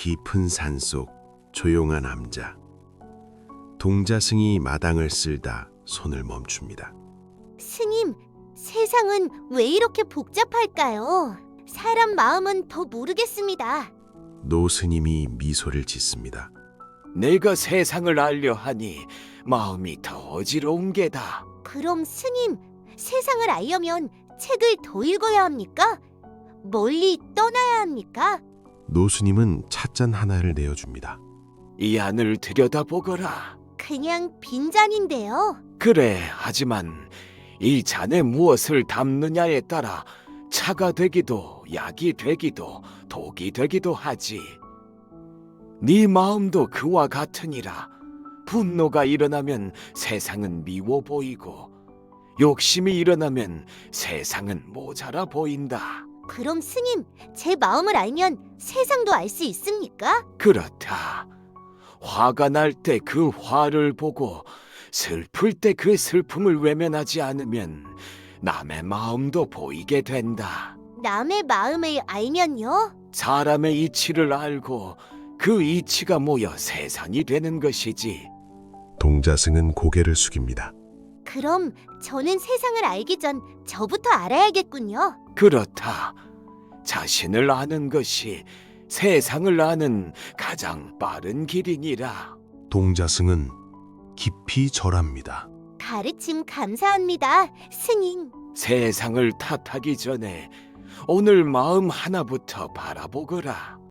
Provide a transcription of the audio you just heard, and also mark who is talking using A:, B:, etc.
A: 깊은 산속 조용한 암자. 동자승이 마당을 쓸다 손을 멈춥니다.
B: 스님, 세상은 왜 이렇게 복잡할까요? 사람 마음은 더 모르겠습니다.
A: 노스님이 미소를 짓습니다.
C: 내가 세상을 알려 하니 마음이 더 어지러운 게다.
B: 그럼 스님, 세상을 알려면 책을 더 읽어야 합니까? 멀리 떠나야 합니까?
A: 노스님은 찻잔 하나를 내어줍니다.
C: 이 안을 들여다보거라.
B: 그냥 빈잔인데요.
C: 그래, 하지만 이 잔에 무엇을 담느냐에 따라 차가 되기도 약이 되기도 독이 되기도 하지. 네 마음도 그와 같으니라. 분노가 일어나면 세상은 미워 보이고 욕심이 일어나면 세상은 모자라 보인다.
B: 그럼 스님, 제 마음을 알면 세상도 알 수 있습니까?
C: 그렇다. 화가 날 때 그 화를 보고 슬플 때 그 슬픔을 외면하지 않으면 남의 마음도 보이게 된다.
B: 남의 마음을 알면요?
C: 사람의 이치를 알고 그 이치가 모여 세상이 되는 것이지.
A: 동자승은 고개를 숙입니다.
B: 그럼 저는 세상을 알기 전 저부터 알아야겠군요.
C: 그렇다. 자신을 아는 것이 세상을 아는 가장 빠른 길이니라.
A: 동자승은 깊이 절합니다.
B: 가르침 감사합니다, 스님.
C: 세상을 탓하기 전에 오늘 마음 하나부터 바라보거라.